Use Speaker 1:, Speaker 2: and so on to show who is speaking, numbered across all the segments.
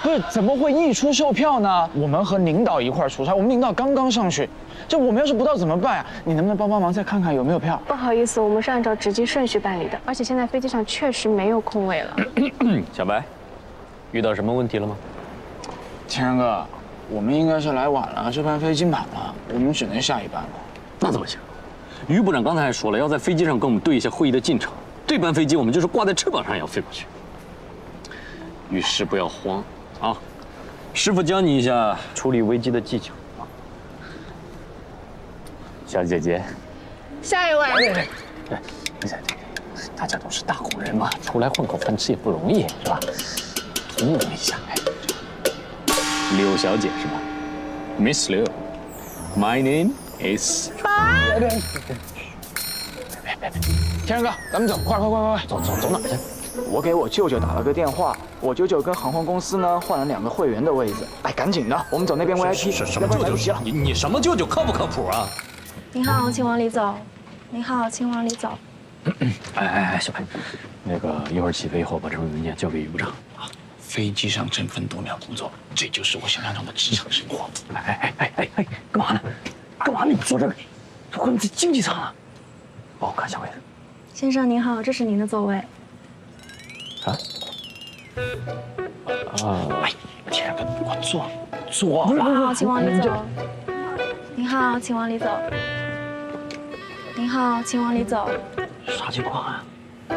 Speaker 1: 不是，怎么会溢出售票呢？我们和领导一块儿出差，我们领导刚刚上去，这我们要是不到怎么办呀？你能不能帮忙再看看有没有票？
Speaker 2: 不好意思，我们是按照值机顺序办理的，而且现在飞机上确实没有空位了。
Speaker 3: 小白，遇到什么问题了吗？
Speaker 1: 天然哥，我们应该是来晚了，这班飞机满了，我们只能下一班了。
Speaker 3: 那怎么行？于部长刚才还说了，要在飞机上跟我们对一下会议的进程。这班飞机我们就是挂在翅膀上也要飞过去。遇事不要慌啊！师傅教你一下处理危机的技巧啊。小姐姐，
Speaker 2: 下一位。
Speaker 3: 对，大家都是大工人嘛，出来混口饭吃也不容易，是吧？通融一下。柳小姐是吧 ？Miss Liu, my name is。别！
Speaker 1: 天然哥，咱们走，快！
Speaker 3: 走哪去？
Speaker 1: 我给我舅舅打了个电话，我舅舅跟航空公司呢换了2个会员的位置。哎，赶紧的，我们走那边 VIP，
Speaker 3: 什么舅舅？你什么舅舅？靠不靠谱啊？
Speaker 2: 您好，请往里走。您好，请往里走。
Speaker 3: 哎，小白，那个一会儿起飞以后把这份文件交给于部长啊。
Speaker 1: 飞机上争分夺秒工作，这就是我想象中的职场生活。
Speaker 3: 哎，干嘛呢？干嘛？你坐这个？我们在经济舱啊。帮我看下位置。
Speaker 2: 先生您好，这是您的座位。
Speaker 1: 哎，天然哥，你快坐。
Speaker 2: 您好，请往里走。您好，请往里走。您好，请往里走。
Speaker 3: 啥情况啊？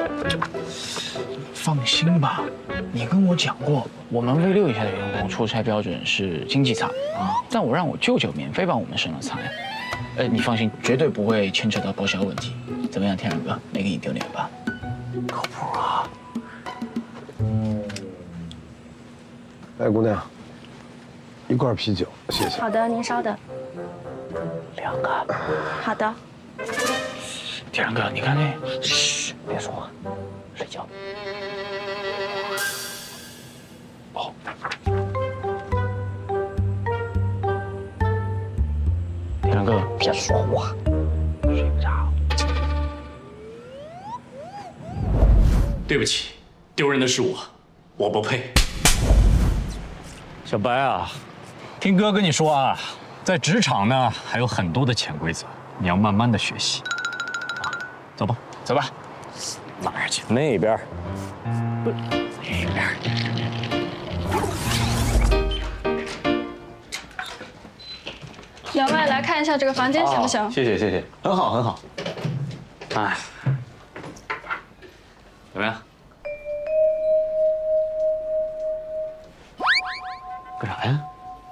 Speaker 1: 放心吧，你跟我讲过，我们V6以下的员工出差标准是经济舱啊，但我让我舅舅免费帮我们升了舱。你放心，绝对不会牵扯到报销问题。怎么样，天然哥，没给你丢脸吧？
Speaker 3: 靠谱啊！
Speaker 4: 来，姑娘，1罐啤酒，谢谢。
Speaker 2: 好的，您稍等。
Speaker 3: 2个。
Speaker 2: 好的。
Speaker 1: 天然哥，你看那，
Speaker 3: 嘘，别说话，睡觉。哦。天然哥，别说话，睡不着。
Speaker 5: 对不起，丢人的是我，我不配。
Speaker 3: 小白啊，听哥跟你说啊，在职场呢还有很多的潜规则，你要慢慢的学习。啊，走吧，
Speaker 1: 走吧。
Speaker 3: 哪儿去？那边。不，那边。
Speaker 2: 两位来看一下这个房间行不行？
Speaker 3: 谢谢谢谢，很好很好。哎，怎么样？干啥呀？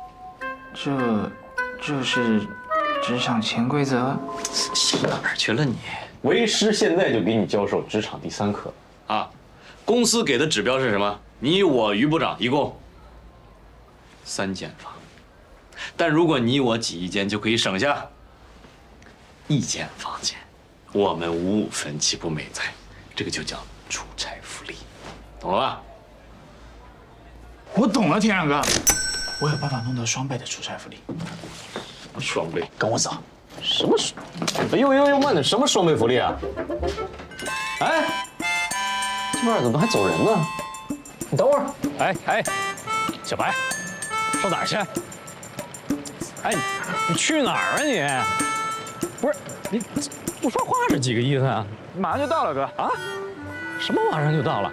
Speaker 1: 这是职场潜规则。
Speaker 3: 想哪儿去了你？为师现在就给你教授职场第3课
Speaker 5: 啊！公司给的指标是什么？你我于部长一共3间房，但如果你我挤一间，就可以省下1间房间。我们5/5分，岂不美哉？这个就叫出差福利，懂了吧？
Speaker 1: 我懂了，天然哥，我有办法弄到双倍的出差福利。
Speaker 3: 双倍，
Speaker 1: 跟我走。
Speaker 3: 什么？又慢点，什么双倍福利啊？哎，这边怎么还走人呢？你等会儿。哎，小白，上哪儿去？哎，你去哪儿啊你？不是你不说话是几个意思啊？
Speaker 1: 马上就到了，哥。
Speaker 3: 啊？什么马上就到了？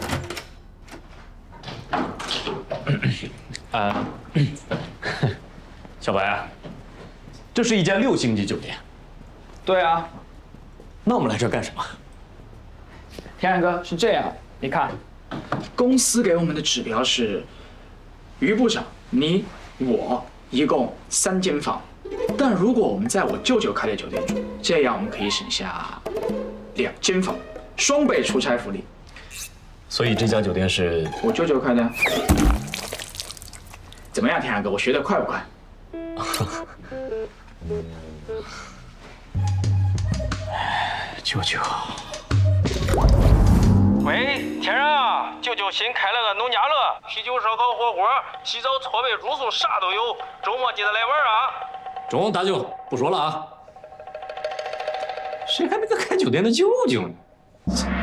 Speaker 3: 小白啊，这是一家6星级酒店。
Speaker 1: 对啊，
Speaker 3: 那我们来这儿干什么？
Speaker 1: 天然哥是这样，你看，公司给我们的指标是，于部长，你我一共3间房，但如果我们在我舅舅开的酒店住，这样我们可以省下2间房，双倍出差福利。
Speaker 3: 所以这家酒店是
Speaker 1: 我舅舅开的。怎么样，天然哥，我学得快不快？舅舅。
Speaker 6: 喂，天然啊，舅舅新开了个农家乐，啤酒、烧烤、火锅、洗澡、搓背、住宿啥都有，周末记得来玩啊！
Speaker 5: 中，大舅不说了啊。谁还没个开酒店的舅舅呢？